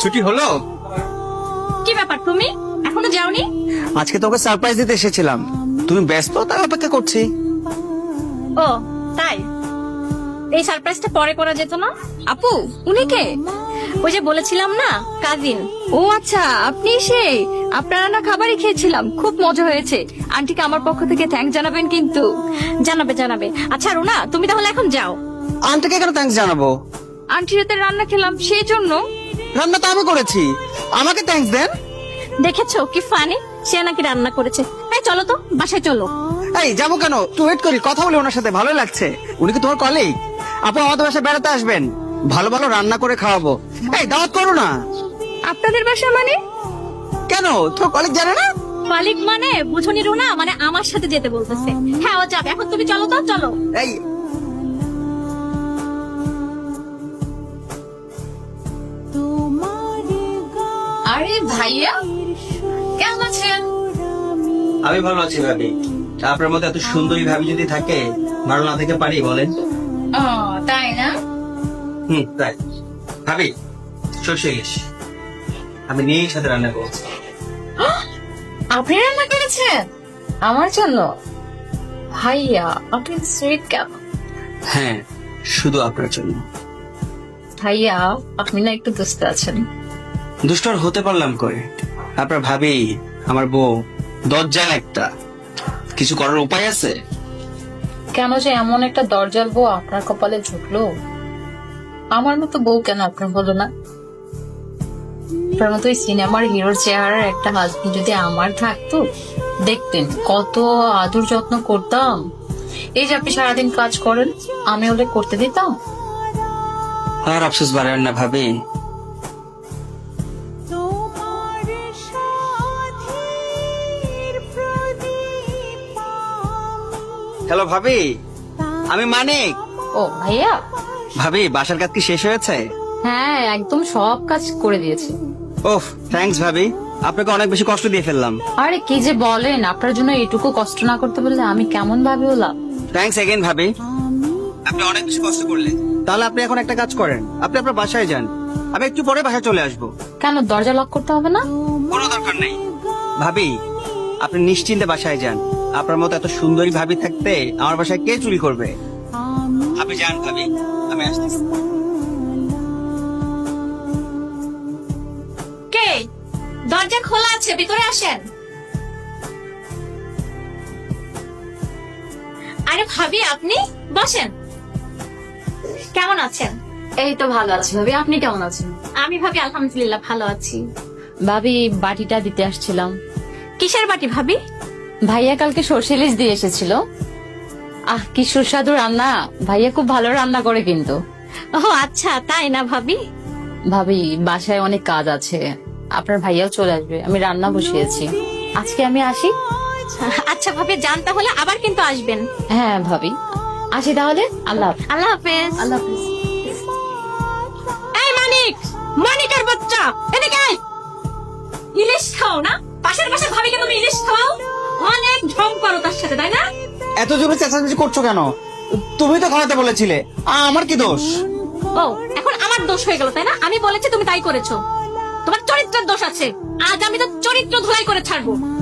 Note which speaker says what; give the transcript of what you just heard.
Speaker 1: ছুটি হলো?
Speaker 2: কি ব্যাপার, তুমি এখনো যাওনি?
Speaker 1: আজকে তোকে সারপ্রাইজ দিতে এসেছিলাম, তুমি ব্যস্ত তাই অপেক্ষা করছি।
Speaker 2: ও তাই, এই সারপ্রাইজটা পরে করা যেত না? আপু, উনি কে? ওই যে বলেছিলাম না, কাজিন। ও আচ্ছা, আপনি সেই। আপনারা না খাবারই খেয়েছিলাম, খুব মজা হয়েছে। আন্টিকে আমার পক্ষ থেকে থ্যাঙ্কস জানাবেন কিন্তু। জানাবে জানাবে। আচ্ছা রুনা, তুমি তাহলে এখন যাও।
Speaker 1: আন্টিকে কেন থ্যাঙ্কস জানাবো?
Speaker 2: আন্টির হাতে রান্না খেলাম সেই জন্য।
Speaker 1: রান্না তো আমি করেছি, আমাকে থ্যাঙ্কস দেন।
Speaker 2: দেখেছো কি ফানি, সে নাকি রান্না করেছে। এই চলো তো, বাসায় চলো।
Speaker 1: এই যাবো কেন, একটু ওয়েট করি, কথা বলি ওনার সাথে, ভালো লাগছে। উনি কি তোমার কলিগ? আপু আমাদের বাসায় বেড়াতে আসবেন, ভালো ভালো রান্না করে খাওয়াবো। এই দাওয়াত করো না।
Speaker 2: আপনাদের বাসা মানে?
Speaker 1: কেন, তোর কলিগ জানে না?
Speaker 2: মালিক মানে বুঝনি রুনা, মানে আমার সাথে যেতে বলতেছে। হ্যাঁ ও যাবে, এখন তুমি চলো তো, চলো।
Speaker 1: এই
Speaker 2: আরে ভাইয়া, কেমন আছেন?
Speaker 1: আমি ভালো আছি ভাবি। আপনার মতো এত সুন্দরী ভাবি যদি থাকে, ভালো না থেকে পারি বলেন?
Speaker 2: ও তাই না?
Speaker 1: তাই। ভাবি সর্ষে ইলিশ আমি নিয়েই সাথে রান্না করছি।
Speaker 2: আপনি রান্না করেছেন আমার জন্য? ভাইয়া আপনি সুইট কেন?
Speaker 1: হ্যাঁ, শুধু আপনার জন্য।
Speaker 2: ভাইয়া আপনি না একটু দুষ্ট আছেন।
Speaker 1: দুষ্ট আর হতে পারলাম করে, আপনার ভাবি আমার বউ দরজাল একটা, কিছু করার উপায় আছে?
Speaker 3: কেন যে এমন একটা দরজাল বউ আপনার কপালে ঝুঁকলো? আমার মতো বউ কেন আপনার হলো না? আপনার মতো ওই সিনেমার হিরোর চেহারার একটা হাজবেন্ড যদি আমার থাকতো, দেখতেন কত আদর যত্ন করতাম। এই যে আপনি সারাদিন কাজ করেন, আমি হলে করতে দিতাম?
Speaker 1: আর আফসোস বাড়েন না ভাবি। হ্যালো ভাবি, আমি মানিক।
Speaker 3: ও ভাইয়া।
Speaker 1: ভাবি বাসার কাজ কি শেষ হয়েছে?
Speaker 3: হ্যাঁ, একদম সব কাজ করে দিয়েছি।
Speaker 1: ওহ থ্যাঙ্কস ভাবি, আপনাকে অনেক বেশি কষ্ট দিয়ে ফেললাম।
Speaker 3: আরে কি যে বলেন, আপনার জন্য এটুকু কষ্ট না করতে পারলে আমি কেমন ভাবে হলাম।
Speaker 1: থ্যাঙ্কস এগেইন ভাবি, আপনি অনেক বেশি কষ্ট করলেন। তাহলে আপনি এখন একটা কাজ করেন, আপনি আপনার বাসায় যান, আমি একটু পরে বাসায় চলে আসবো।
Speaker 3: কেন, দরজা লক করতে হবে না?
Speaker 1: কোনো দরকার নেই ভাবি, আপনি নিশ্চিন্তে বাসায় যান। আপনার মতো এত সুন্দরী ভাবি থাকতে আমার বাসায় কে চুরি করবে? আপনি যান ভাবি, আমি আসতেছি।
Speaker 2: কে? দরজা খোলা আছে, ভিতরে আসেন। আরে ভাবি আপনি বসেন। কেমন আছেন?
Speaker 3: এই তো ভালো আছি ভাবি, আপনি কেমন আছেন?
Speaker 2: আমি ভাবি আলহামদুলিল্লাহ ভালো আছি।
Speaker 3: ভাবি বাটিটা দিতে আসছিলাম।
Speaker 2: কিসের বাটি ভাবি?
Speaker 3: ভাইয়া কালকে সর্ষে ইলিশ দিয়ে এসেছিল। কি সুস্বাদু রান্না, ভাইয়া খুব ভালো রান্না করে কিন্তু।
Speaker 2: ও আচ্ছা, তাই না ভাবি?
Speaker 3: ভাবি বাসায় অনেক কাজ আছে, আপনার ভাইয়াও চলে আসবে, আমি রান্না বসিয়েছি। আজকে আমি আসি।
Speaker 2: আচ্ছা ভাবি যান, তাহলে আবার কিন্তু আসবেন।
Speaker 3: হ্যাঁ ভাবি, আসি তাহলে। আল্লাহ হাফেজ।
Speaker 2: আল্লাহ হাফেজ।
Speaker 3: আল্লাহ হাফেজ।
Speaker 2: এই মানিক, মানিকের বাচ্চা, এদিকে আয়। ইলিশ খাও না? পাশের পাশে ভাবিকে তুমি ইলিশ খাও? অনেক ঢং করো তার সাথে, তাই না?
Speaker 1: এত জোরে চেঁচামেচি করছো কেন? তুমি তো খাওয়াতে বলেছিলে, আমার কি দোষ?
Speaker 2: ও এখন আমার দোষ হয়ে গেল, তাই না? আমি বলেছি তুমি তাই করেছো। তোমার চরিত্রের দোষ আছে, আজ আমি তো চরিত্র ধুলাই করে ছাড়বো।